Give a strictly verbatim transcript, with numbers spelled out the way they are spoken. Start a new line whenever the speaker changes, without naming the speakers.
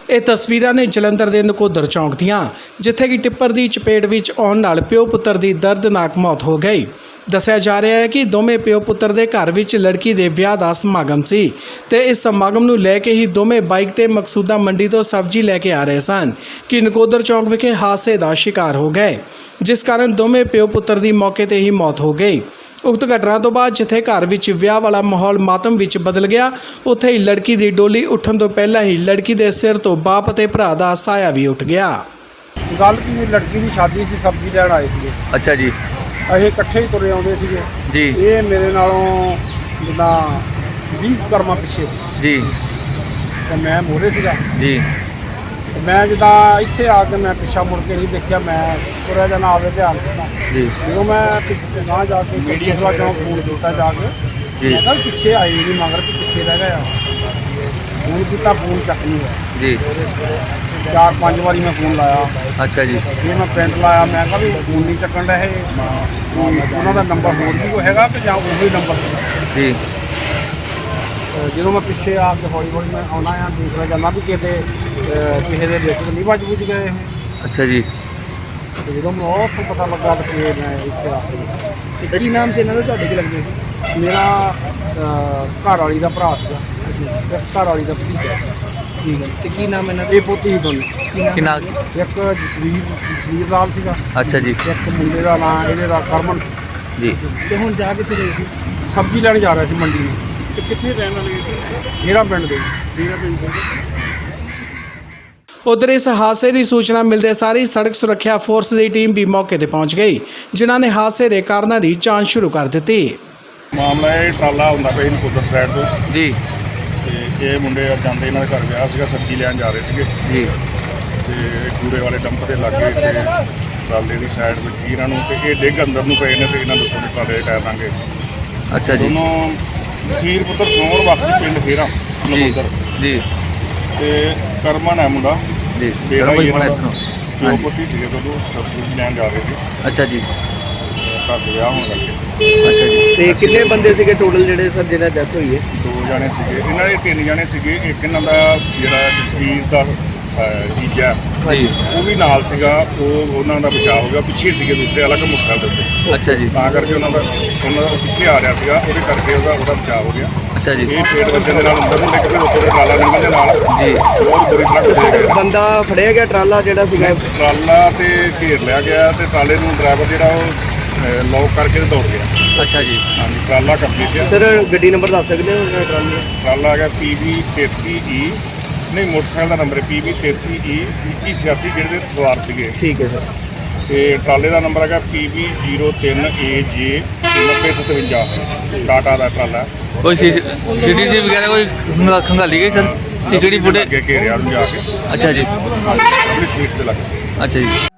ਇਹ ਤਸਵੀਰਾਂ ਨੇ ਜਲੰਧਰ ਦੇ ਨਕੋਦਰ ਚੌਂਕ ਦੀਆਂ, ਜਿੱਥੇ ਕਿ ਟਿੱਪਰ ਦੀ ਚਪੇਟ ਵਿੱਚ ਆਉਣ ਨਾਲ ਪਿਓ ਪੁੱਤਰ ਦੀ ਦਰਦਨਾਕ ਮੌਤ ਹੋ ਗਈ। ਦੱਸਿਆ ਜਾ ਰਿਹਾ ਹੈ ਕਿ ਦੋਵੇਂ ਪਿਓ ਪੁੱਤਰ ਦੇ ਘਰ ਵਿੱਚ ਲੜਕੀ ਦੇ ਵਿਆਹ ਦਾ ਸਮਾਗਮ ਸੀ ਤੇ ਇਸ ਸਮਾਗਮ ਨੂੰ ਲੈ ਕੇ ਹੀ ਦੋਵੇਂ ਬਾਈਕ ਤੇ ਮਕਸੂਦਾ ਮੰਡੀ ਤੋਂ ਸਬਜ਼ੀ ਲੈ ਕੇ ਆ ਰਹੇ ਸਨ ਕਿ ਨਕੋਦਰ ਚੌਂਕ ਵਿਖੇ ਹਾਦਸੇ ਦਾ ਸ਼ਿਕਾਰ ਹੋ ਗਏ, ਜਿਸ ਕਾਰਨ ਦੋਵੇਂ ਪਿਓ ਪੁੱਤਰ ਦੀ ਮੌਕੇ ਤੇ ਹੀ ਮੌਤ ਹੋ ਗਈ। ਉਕਤ ਘਟਨਾ ਤੋਂ ਬਾਅਦ ਜਿੱਥੇ ਘਰ ਵਿੱਚ ਵਿਆਹ ਵਾਲਾ ਮਾਹੌਲ ਮਾਤਮ ਵਿੱਚ ਬਦਲ ਗਿਆ, ਉੱਥੇ ਹੀ ਲੜਕੀ ਦੀ ਡੋਲੀ ਉੱਠਣ ਤੋਂ ਪਹਿਲਾਂ ਹੀ ਲੜਕੀ ਦੇ ਸਿਰ ਤੋਂ ਬਾਪ ਅਤੇ ਭਰਾ ਦਾ ਸਾਇਆ ਵੀ ਉੱਠ ਗਿਆ।
ਗੱਲ ਕੀ, ਲੜਕੀ ਦੀ ਸ਼ਾਦੀ ਸੀ, ਸਬਜ਼ੀ ਲੈਣ ਆਏ ਸੀਗੇ।
ਅੱਛਾ ਜੀ
ਅਸੀਂ ਇਕੱਠੇ ਹੀ ਤੁਰੇ ਆਉਂਦੇ ਸੀਗੇ
ਜੀ
ਇਹ ਮੇਰੇ ਨਾਲੋਂ ਜਿੱਦਾਂ ਵੀਹ ਕਰਮਾਂ ਪਿੱਛੇ
ਜੀ
ਤੇ ਮੈਂ ਮੋਰੇ ਸੀਗਾ।
ਜੀ
ਤੇ ਮੈਂ ਜਿੱਦਾਂ ਇੱਥੇ ਆ ਕੇ ਮੈਂ ਪਿੱਛਾ ਮੁੜ ਕੇ ਨਹੀਂ ਦੇਖਿਆ, ਮੈਂ ਤੁਰਿਆ ਜਾਣਾ ਆਵੇ ਧਿਆਨ ਦਿੱਤਾ।
ਜੀ
ਜਦੋਂ ਮੈਂ ਨਾ ਜਾ ਕੇ ਮੀਡੀਆ ਚੌਂਕ ਫੋਨ ਕੀਤਾ ਜਾ ਕੇ,
ਜੀ
ਮੈਂ ਕਿਹਾ ਪਿੱਛੇ ਆਈ ਨਹੀਂ ਮਗਰ ਕਿ ਕਿੱਥੇ ਰਹਿ ਗਿਆ। ਫੋਨ ਕੀਤਾ, ਫੋਨ ਚੱਕ ਨਹੀਂ ਹੋਇਆ।
ਜੀ
ਚਾਰ ਪੰਜ ਵਾਰੀ ਮੈਂ ਫੋਨ ਲਾਇਆ,
ਅੱਛਾ ਜੀ
ਫਿਰ ਮੈਂ ਪਿੰਡ ਲਾਇਆ। ਮੈਂ ਕਿਹਾ ਵੀ ਫੋਨ ਨਹੀਂ ਚੱਕਣ ਰਹੇ, ਉਹਨਾਂ ਦਾ ਨੰਬਰ ਹੋਰ ਵੀ ਕੋਈ ਹੈਗਾ ਕਿ ਜਾਂ ਉਹੀ ਨੰਬਰ ਸੀਗਾ।
ਜੀ
ਤੇ ਜਦੋਂ ਮੈਂ ਪਿੱਛੇ ਆ ਕੇ ਹੌਲੀ ਹੌਲੀ ਮੈਂ ਆਉਣਾ ਆ, ਦੇਖਦਾ ਜਾਂਦਾ ਵੀ ਕਿਤੇ ਅਹ, ਕਿਸੇ ਦੇ ਵਿੱਚ ਨਹੀਂ ਵੱਜ ਬੁੱਝ ਗਏ ਇਹ।
ਅੱਛਾ ਜੀ
ਤੇ ਜਦੋਂ ਮੈਨੂੰ ਉੱਥੋਂ ਪਤਾ ਲੱਗਾ ਤਾਂ ਫਿਰ ਮੈਂ ਇੱਥੇ ਆ ਕੇ।
ਤੇ ਕੀ ਨਾਮ ਸੀ ਇਹਨਾਂ ਦਾ, ਤੁਹਾਡੇ ਕੀ ਲੱਗਦੇ ਸੀ?
ਮੇਰਾ ਅਹ, ਘਰ ਵਾਲੀ ਦਾ ਭਰਾ ਸੀਗਾ ਤੇ ਘਰ ਵਾਲੀ ਦਾ ਭਤੀਜਾ।
ਠੀਕ ਹੈ, ਤੇ ਕੀ ਨਾਮ ਇਹਨਾਂ ਦਾ?
ਇਹ ਪੋਤੀ ਸੀ ਦੋਨੇ।
ਕੀ ਨਾਮ?
ਕਿੰਨਾ
ਇੱਕ ਜਸਵੀਰ ਜਸਵੀਰ ਲਾਲ ਸੀਗਾ,
ਅੱਛਾ ਜੀ
ਇੱਕ ਮੁੰਡੇ ਦਾ ਨਾਂ ਇਹਦੇ ਦਾ ਕਰਮਨ ਸੀ।
ਜੀ
ਤੇ ਹੁਣ ਜਾ ਕਿੱਥੇ ਰਹੇ ਸੀ?
ਸਬਜ਼ੀ ਲੈਣ ਜਾ ਰਿਹਾ ਸੀ ਮੰਡੀ ਨੂੰ।
ਤੇ ਕਿੱਥੇ ਰਹਿਣ ਵਾਲੇ?
ਮੇਰਾ ਪਿੰਡ ਦੇ ਮੇਰਾ ਪਿੰਡ ਦੇ
ਉਧਰ ਇਸ ਹਾਦਸੇ ਦੀ ਸੂਚਨਾ ਮਿਲਦੇ ਸਾਰ ਹੀ ਸੜਕ ਸੁਰੱਖਿਆ ਫੋਰਸ ਦੀ ਟੀਮ ਵੀ ਮੌਕੇ ਤੇ ਪਹੁੰਚ ਗਈ, ਜਿਨ੍ਹਾਂ ਨੇ ਹਾਦਸੇ ਦੇ ਕਾਰਨਾਂ ਦੀ ਜਾਂਚ ਸ਼ੁਰੂ ਕਰ ਦਿੱਤੀ।
ਮਾਮਲਾ ਇਹ ਟਰਾਲਾ ਹੁੰਦਾ ਪਿਆ ਨਕੋਦਰ ਸਾਈਡ ਤੋਂ,
ਜੀ
ਤੇ ਇਹ ਮੁੰਡੇ ਜਾਂਦੇ ਇਹਨਾਂ ਦੇ ਘਰ ਵਿਆਹ ਸੀਗਾ, ਸਬਜ਼ੀ ਲੈਣ ਜਾ ਰਹੇ ਸੀਗੇ
ਜੀ
ਤੇ ਕੂੜੇ ਵਾਲੇ ਡੰਪ ਦੇ ਲਾਗੇ ਤੇ ਟਰਾਲੇ ਦੀ ਸਾਈਡ ਵਿੱਚ ਹੀ ਇਹਨਾਂ ਨੂੰ, ਤੇ ਇਹ ਡਿੱਗ ਅੰਦਰ ਨੂੰ ਪਏ ਨੇ ਤੇ ਇਹਨਾਂ ਦੇ ਉੱਤੋਂ ਦੇ ਟਰਾਲੇ ਦੇ ਟਾਇਰ ਲਾਂਗੇ।
ਅੱਛਾ ਜੀ
ਦੋਨੋਂ ਜਸੀਰ ਪੁੱਤਰ ਸੋਹਣ ਵਾਸੀ ਪਿੰਡ ਫੇਰਾ
ਜੀ
ਨਕੋਦਰ,
ਜੀ
ਤੇ ਕਰਮਨ ਹੈ ਮੁੰਡਾ
ਜੀ
ਬੇੜਾ
ਕਰੋ
ਹੀ
ਬਣਾ
ਇਹਨਾਂ
ਇੱਥੋਂ।
ਦਾ।
ਹਾਂਜੀ।
ਦੋ ਪੁੱਤੀ ਸੀਗੇ ਜਦੋਂ ਸਬਜ਼ੀ ਲੈਣ ਜਾ ਰਹੇ ਸੀ,
ਅੱਛਾ ਜੀ
ਘਰ ਦੇ ਵਿਆਹ ਹੋਣ ਕਰਕੇ
ਅੱਛਾ ਜੀ
ਤੇ ਕਿੰਨੇ ਬੰਦੇ ਸੀਗੇ ਟੋਟਲ ਜਿਹੜੇ ਸਰ ਜਿਹਨਾਂ ਡੈਥ ਹੋਈ ਹੈ?
ਦੋ ਜਾਣੇ ਸੀਗੇ ਇਹਨਾਂ ਦੇ, ਤਿੰਨ ਜਾਣੇ ਸੀਗੇ। ਇੱਕ ਇਹਨਾਂ ਦਾ ਜਿਹੜਾ ਜਸਵੀਰ ਦਾ ਅਹ, ਜੀਜਾ
ਜੀ
ਉਹ ਵੀ ਨਾਲ ਸੀਗਾ, ਉਹ ਉਹਨਾਂ ਦਾ ਬਚਾਅ ਹੋ ਗਿਆ। ਪਿੱਛੇ ਸੀਗੇ ਦੂਸਰੇ ਅਲੱਗ ਮੁੱਖਾਂ ਦੇ ਉੱਤੇ,
ਅੱਛਾ ਜੀ
ਤਾਂ ਕਰਕੇ ਉਹਨਾਂ ਦਾ ਉਹਨਾਂ ਦਾ ਪਿੱਛੇ ਆ ਰਿਹਾ ਸੀਗਾ, ਉਹਦੇ ਕਰਕੇ ਉਹਦਾ ਉਹਦਾ ਬਚਾਅ ਹੋ ਗਿਆ।
ਅੱਛਾ ਜੀ
ਇਹ ਪੇਟ ਵੱਜਣ ਦੇ ਨਾਲ ਅੰਦਰ ਨੂੰ ਡਿੱਗ ਕੇ ਉੱਪਰ ਟਰਾਲਾ ਨਿਕਲ ਦੇ ਨਾਲ
ਜੀ
ਬਹੁਤ ਬੁਰੀ ਤਰ੍ਹਾਂ ਘੁਸੇ ਗਏ।
ਬੰਦਾ ਫੜਿਆ ਗਿਆ ਟਰਾਲਾ ਜਿਹੜਾ ਸੀਗਾ?
ਟਰਾਲਾ ਤੇ ਘੇਰ ਲਿਆ ਗਿਆ ਤੇ ਟਰਾਲੇ ਨੂੰ ਡਰਾਈਵਰ ਜਿਹੜਾ ਉਹ ਲੌਕ ਕਰਕੇ ਤੇ ਦੌੜ ਗਿਆ।
ਅੱਛਾ ਜੀ
ਹਾਂਜੀ, ਟਰਾਲਾ ਕੰਪਲੀਟ ਹੈ।
ਸਰ ਗੱਡੀ ਨੰਬਰ ਦੱਸ ਸਕਦੇ ਹੋ ਟਰਾਲੇ ਦਾ?
ਟਰਾਲਾ ਹੈਗਾ ਪੀ ਵੀ ਤੇਤੀ ਈ, ਨਹੀਂ ਮੋਟਰਸਾਈਕਲ ਦਾ ਨੰਬਰ ਹੈ ਪੀ ਵੀ ਤੇਤੀ ਈ ਇੱਕੀ ਛਿਆਸੀ, ਜਿਹੜੇ ਦੇ ਸਵਾਰ ਸੀਗੇ।
ਠੀਕ ਹੈ ਸਰ।
ਤੇ ਟਰਾਲੇ ਦਾ ਨੰਬਰ ਹੈਗਾ ਪੀ ਵੀ ਜ਼ੀਰੋ ਤਿੰਨ ਏ ਜੇ ਨੱਬੇ ਸਤਵੰਜਾ, ਟਾਟਾ ਦਾ ਟਰਾਲਾ।
ਕੋਈ ਸੀ ਸੀ ਟੀ ਵਗੈਰਾ ਕੋਈ ਖੰਗਾ- ਖੰਗਾਲੀ ਗਈ sir? C C T footage?
ਅੱਗੇ ਘੇਰਿਆ ਨੂੰ ਜਾ ਕੇ
ਅੱਛਾ ਜੀ
ਆਪਣੀ ਸਵੀਟ ਤੇ ਲੱਗ
ਅੱਛਾ ਜੀ